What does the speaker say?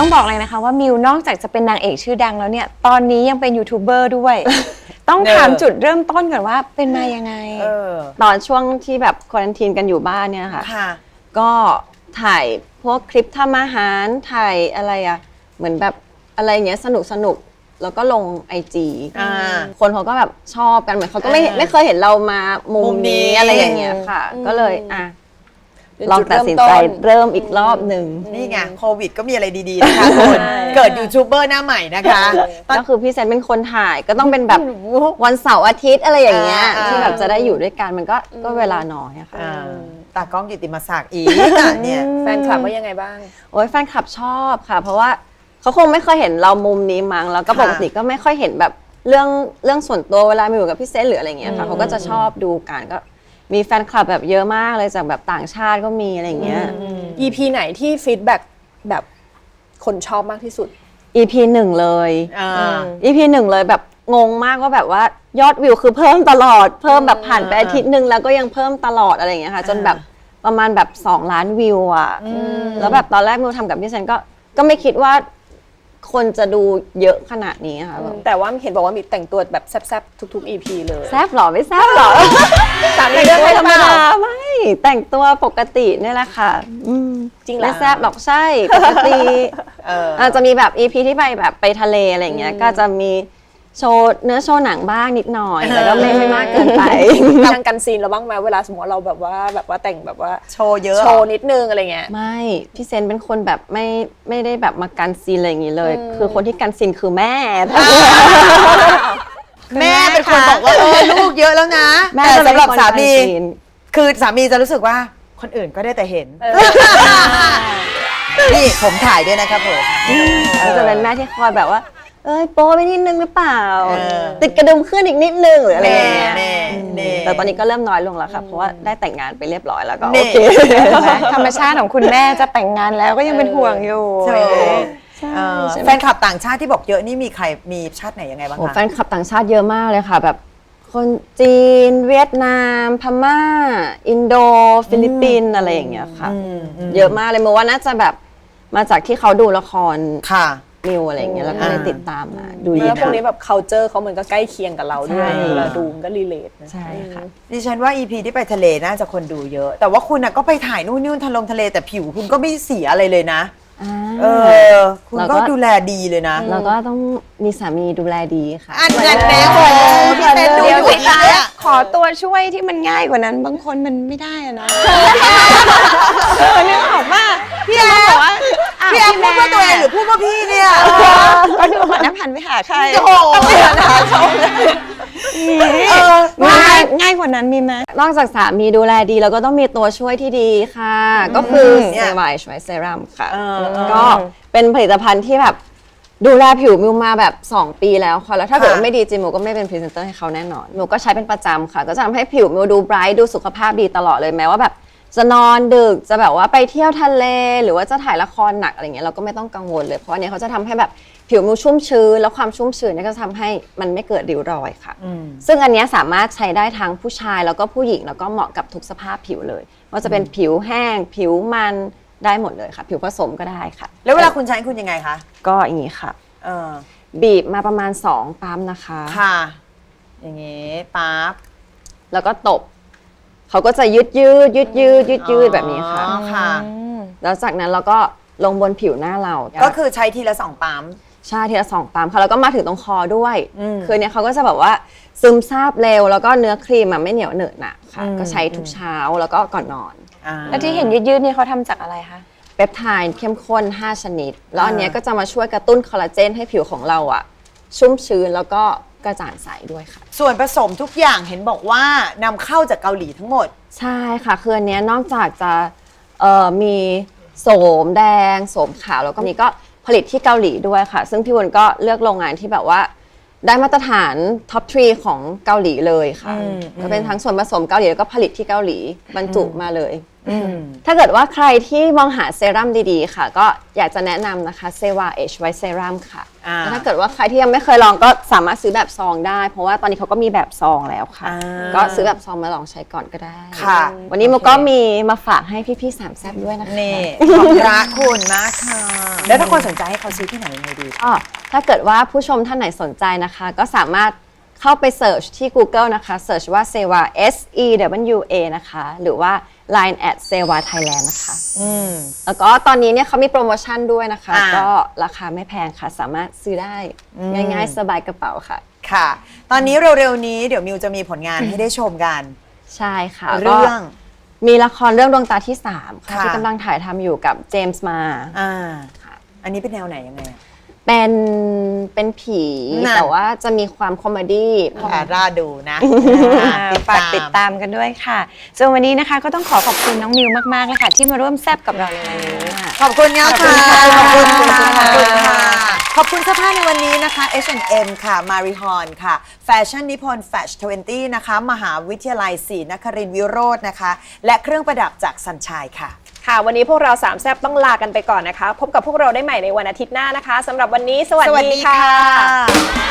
บอกเลยนะคะว่ามิวนอกจากจะเป็นนางเอกชื่อดังแล้วเนี่ยตอนนี้ยังเป็นยูทูบเบอร์ด้วย ต้องถามจุดเริ่มต้นก่อนว่าเป็นมายังไงตอนช่วงที่แบบควอรันทีนกันอยู่บ้านเนี่ยค่ะก็ถ่ายพวกคลิปทำอาหารถ่ายอะไรอะเหมือนแบบอะไรเงี้ยสนุกแล้วก็ลงIGคนเขาก็แบบชอบกันเหมือนเขาก็ไม่เคยเห็นเรามามุมนี้อะไรอย่างเงี้ยค่ะก็เลยลองตัดสินใจเริ่มอีกรอบหนึ่งนี่ไงโควิดก็มีอะไรดีๆนะคะคุณเกิดยูทูบเบอร์หน้าใหม่นะคะก็คือพี่เซนเป็นคนถ่ายก็ต้องเป็นแบบวันเสาร์อาทิตย์อะไรอย่างเงี้ยที่แบบจะได้อยู่ด้วยกันมันก็เวลาน้อยอะค่ะตากล้องกิตติมศักดิ์อีกเนี่ยแฟนคลับว่ายังไงบ้างโอ้ยแฟนคลับชอบค่ะเพราะว่าเขาคงไม่เคยเห็นเรามุมนี้มั้งแล้วก็ปกติก็ไม่ค่อยเห็นแบบเรื่องส่วนตัวเวลามีอยู่กับพี่เซนหรืออะไรเงี้ยค่ะเขาก็จะชอบดูกันก็มีแฟนคลับแบบเยอะมากเลยจากแบบต่างชาติก็มีอะไรเงี้ย EP ไหนที่ฟีดแบ็กแบบคนชอบมากที่สุด EP 1 เลย EP 1 เลยแบบงงมากว่าแบบว่ายอดวิวคือเพิ่มตลอดเพิ่มแบบผ่านไปอาทิตย์นึงแล้วก็ยังเพิ่มตลอดอะไรอย่างเงี้ยค่ะจนแบบประมาณแบบ2 ล้านวิวอ่ะแล้วแบบตอนแรกมิวทำกับพี่เซนก็ไม่คิดว่าคนจะดูเยอะขนาดนี้ค่ะแต่ว่าเห็นบอกว่ามีแต่งตัวแบบแซ่บๆทุกๆ EP เลยแซ่บหรอไม่แซ่บหรอสามีเลือกให้ธรรมดาไม่แต่งตัวปกตินี่แหละค่ะจริงเหรอไม่แซ่บหรอกใช่ปกติจะมีแบบ EP ที่ไปทะเลอะไรอย่างเงี้ยก็จะมีโชว์เนื้อโชว์หนังบ้างนิดหน่อยแต่ก็ไม่มากเกินไปทางกันซีนเราบ้างไหมเวลาสมมติเราแบบว่าแต่งแบบว่าโชว์เยอะโชว์นิดนึงอะไรเงี้ยไม่พี่เซนเป็นคนแบบไม่ได้แบบมากันซีนอะไรอย่างงี้เลยคือคนที่กันซีนคือแม่แม่เป็นคนบอกว่าลูกเยอะแล้วนะแต่สำหรับสามีคือสามีจะรู้สึกว่าคนอื่นก็ได้แต่เห็นนี่ผมถ่ายด้วยนะครับผมจะเป็นแม่ที่คอยแบบว่าโป๊ไปนิดนึงหรือเปล่าติดกระดุมขึ้นอีกนิดนึงหรืออะไรอย่างเงี้ยแต่ตอนนี้ก็เริ่มน้อยลงแล้วค่ะเพราะว่าได้แต่งงานไปเรียบร้อยแล้วก็โอเคธรรมชาติของคุณแม่จะแต่งงานแล้วก็ยังเป็นห่วงอยู่แฟนคลับต่างชาติที่บอกเยอะนี่มีใครมีชาติไหนยังไงบ้างคะแฟนคลับต่างชาติเยอะมากเลยค่ะแบบคนจีนเวียดนามพม่าอินโดฟิลิปปินส์อะไรอย่างเงี้ยค่ะเยอะมากเลยเมื่อว่าน่าจะแบบมาจากที่เขาดูละครมิวอะไรอย่างเงี้ยแล้วก็เลยติดตามมาดูแล้วพวกนี้แบบ culture เขามันก็ใกล้เคียงกับเราด้วยเราดูมันก็รีเลทใช่ค่ะดิฉันว่า EP ที่ไปทะเลน่าจะคนดูเยอะแต่ว่าคุณก็ไปถ่ายนู่นทะเลแต่ผิวคุณก็ไม่เสียอะไรเลยนะคุณก็ดูแลดีเลยนะแล้วก็ต้องมีสามีดูแลดีค่ะอันนั้นแน่โอ้พี่เซนดูอยู่เนี่ยขอตัวช่วยที่มันง่ายกว่านั้นบางคนมันไม่ได้อะนะเนี่ยบอกว่าพี่แอฟบอกว่าพี่แอฟพูดว่าตัวเองหรือพูดว่าพี่เนี่ยก็ดูก่อนนะพันไปหาใครโอ้โหง่ายกว่านั้นมีไหมนอกจากสามีดูแลดีแล้วก็ต้องมีตัวช่วยที่ดีค่ะก็คือเซรั่มช่วยเซรั่มค่ะก็เป็นผลิตภัณฑ์ที่แบบดูแลผิวมิวมาแบบ2 ปีแล้วค่ะแล้วถ้าเกิดว่าไม่ดีจริงมิวก็ไม่เป็นพรีเซนเตอร์ให้เขาแน่นอนมิวก็ใช้เป็นประจำค่ะก็จะทำให้ผิวมิวดูไบรท์ดูสุขภาพดีตลอดเลยแม้ว่าแบบจะนอนดึกจะแบบว่าไปเที่ยวทะเลหรือว่าจะถ่ายละครหนักอะไรเงี้ยเราก็ไม่ต้องกังวลเลยเพราะอันนี้เขาจะทำให้แบบผิวมิวชุ่มชื้นแล้วความชุ่มชื้นเนี่ยก็จะทำให้มันไม่เกิดริ้วรอยค่ะซึ่งอันนี้สามารถใช้ได้ทั้งผู้ชายแล้วก็ผู้หญิงแล้วก็เหมาะกับทุกสภาพผิวเลยว่าจะเป็นผิวแห้งผิวมันได้หมดเลยค่ะผิวผสมก็ได้ค่ะแล้วเวลาคุณใช้คุณยังไงคะก็อย่างนี้ค่ะบีบมาประมาณ2 ปั๊มนะคะค่ะอย่างนี้ปั๊บแล้วก็ตบเขาก็จะยืดแบบนี้ค่ะแล้วจากนั้นเราก็ลงบนผิวหน้าเราก็คือใช้ทีละ2 ปั๊มใช่ทีละ2 ปั๊มค่ะแล้วก็มาถึงตรงคอด้วยคือเนี้ยเขาก็จะแบบว่าซึมซาบเร็วแล้วก็เนื้อครีมไม่เหนียวเหนอะหนะค่ะก็ใช้ทุกเช้าแล้วก็ก่อนนอนแล้วที่เห็นยืดนี่เขาทำจากอะไรคะเปปไทด์เข้มข้น5 ชนิดแล้วอันนี้ก็จะมาช่วยกระตุ้นคอลลาเจนให้ผิวของเราชุ่มชื้นแล้วก็กระจ่างใสด้วยค่ะส่วนผสมทุกอย่างเห็นบอกว่านำเข้าจากเกาหลีทั้งหมดใช่ค่ะคืออันนี้นอกจากจะมีโสมแดงโสมขาวแล้วก็มีก็ผลิตที่เกาหลีด้วยค่ะซึ่งพี่วุ้นก็เลือกโรงงานที่แบบว่าได้มาตรฐานท็อป3ของเกาหลีเลยค่ะก็เป็นทั้งส่วนผสมเกาหลีแล้วก็ผลิตที่เกาหลีบรรจุมาเลยถ้าเกิดว่าใครที่มองหาเซรั่มดีๆค่ะ ก็อยากจะแนะนำนะคะเซวา Age White Serum ค่ะแล้วถ้าเกิดว่าใครที่ยังไม่เคยลองก็สามารถซื้อแบบซองได้ เพราะว่าตอนนี้เขาก็มีแบบซองแล้วค่ะ ก็ซื้อแบบซองมาลองใช้ก่อนก็ได้ค่ะวันนี้โมก็มีมาฝากให้พี่ๆสามแซ่บด้วยนะคะนี่ขอบพระคุณมากค่ะ แล้วถ้าคนสนใจให้เขาซื้อที่ไหนยังไงดีก็ถ้าเกิดว่าผู้ชมท่านไหนสนใจนะคะ ก็สามารถเข้าไปเสิร์ชที่ Google นะคะเสิร์ชว่า Sewa SEWA นะคะหรือว่า Line @Sewa Thailand นะคะแล้วก็ตอนนี้เนี่ยเขามีโปรโมชั่นด้วยนะคะ ก็ราคาไม่แพงค่ะ สามารถซื้อได้ง่ายๆ สบายกระเป๋าค่ะค่ะ ตอนนี้เร็วๆนี้เดี๋ยวมิวจะมีผลงานให้ได้ชมกันใช่ค่ะเรื่องก็มีละครเรื่องดวงตาที่ 3 ค่ะค่ะที่กำลังถ่ายทำอยู่กับเจมส์มาอันนี้เป็นแนวไหนยังไงอะเป็นผีน่ะแต่ว่าจะมีความคอมเมดี้ราดูนะฝากติดตามกันด้วยค่ะส่วนวันนี้นะคะก็ต้องขอบคุณน้องมิวมากๆเลยค่ะที่มาร่วมแซบกับเราในวันนี้ขอบคุณค่ะขอบคุณค่ะขอบคุณค่ะขอบคุณค่ะ ขอบคุณเสื้อผ้าในวันนี้นะคะ H&M ค่ะ Marihon ค่ะ Fashion Nippon Fash 20 นะคะ มหาวิทยาลัยศรีนครินทรวิโรจน์นะคะ และเครื่องประดับจากสัญชัยค่ะค่ะวันนี้พวกเราสามแซ่บต้องลากันไปก่อนนะคะ พบกับพวกเราได้ใหม่ในวันอาทิตย์หน้านะคะสำหรับวันนี้สวัสดีค่ะ